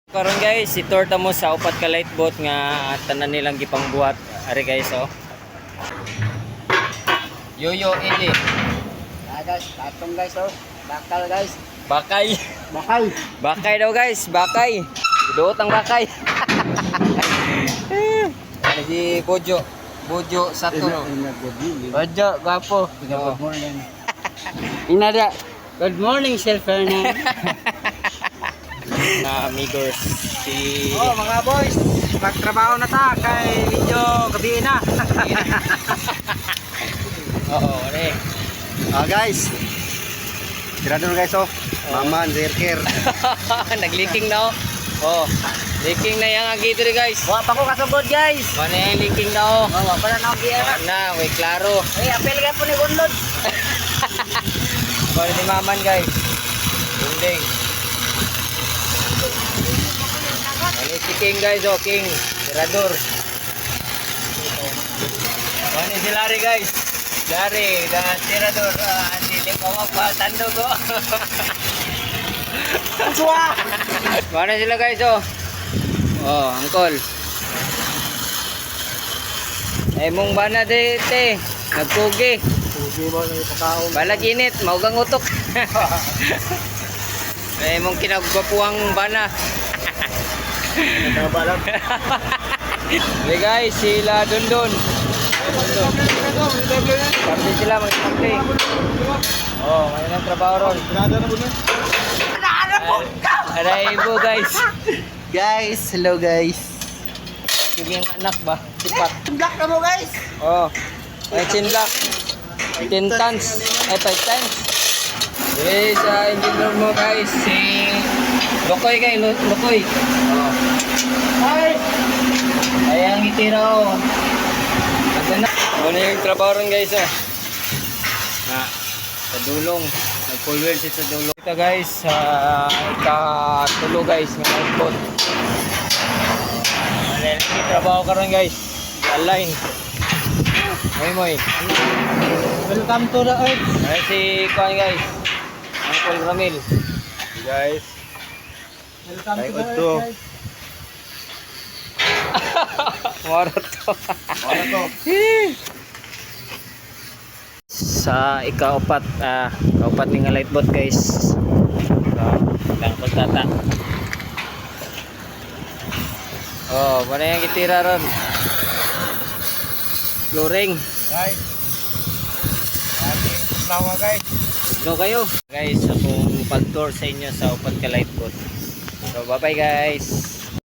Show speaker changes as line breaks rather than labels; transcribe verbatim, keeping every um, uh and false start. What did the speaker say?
Karon guys, itur ta mo sa upat ka light boat nga tanan nilang gipang buhat. Ari guys oh. Yoyo ini.
Ah guys, tatong guys oh. Bakal guys.
Bakay.
Bakal.
Bakay daw guys, bakay. Duot ang bakay. Ano si Bojo? Bojo Satuno. Bojo, gwapo.
Good morning. Inada. Good morning, Sir Fernand.
Na amigos si
Oh, mga boys, magtrabaho na ta kay medyo gabi na.
Oo, re.
Ah guys. Tirado na guys oh. Maman, zerker.
Nag-leaking na oh. Oh, leaking na yang agi diri guys.
Wa pa ko kasugod guys.
Mana yang leaking na oh.
Oh, wa pa na ako giera.
Na, way klaro.
Eh, apel ka po ni Gunlod.
Kaya ni Maman guys. Bunding. Ini si King guys oh, King. Tirador. Ini si Larry guys. Larry dan Tirador. Ah, hindi ko mapa tando ko.
Suwa.
Mana sila guys oh. Oh, angkol. Eh mong bana de te. Nagpugi.
Pugi mo na ipakaon.
Balag init, maugang utok. Eh mong kinagwapuang bana.
Nagbalag.
Hey guys, sila Dundun. Dundun. Sabi sila mag-sabi. Oh, may nang trabaho ron.
Tirado na po na.
Aray po guys.
Guys, hello guys.
Yung anak ba? Sipat.
Black na mo guys.
Oh. Ay chinlock. ten tons. Ay five tons. Yes, sa engineer mo guys si Lokoy kay Lokoy. Oh.
Hi.
Ay ang itira oh. Ano na? Ano yung trabaho ron guys ah. Na sa dulong. Nag-full wheel siya sa dulong. Ito guys, sa ikatulo guys ng outboard. Ano yung trabaho ka ron guys. Align. Moy moy.
Welcome to the earth.
Ay si Kuan guys. Uncle Ramil.
Guys. Welcome
Ay,
to the
Otto.
earth guys.
Moro to.
Ano to?
Sa ikaapat, ah, kaupat ni nga light boat guys. So, lang pagtata. Oh, mana yang kitira ron? Flooring.
Guys. Ating lawa guys.
No kayo? Guys, akong pag-tour sa inyo sa upat ka light boat. So, bye-bye guys.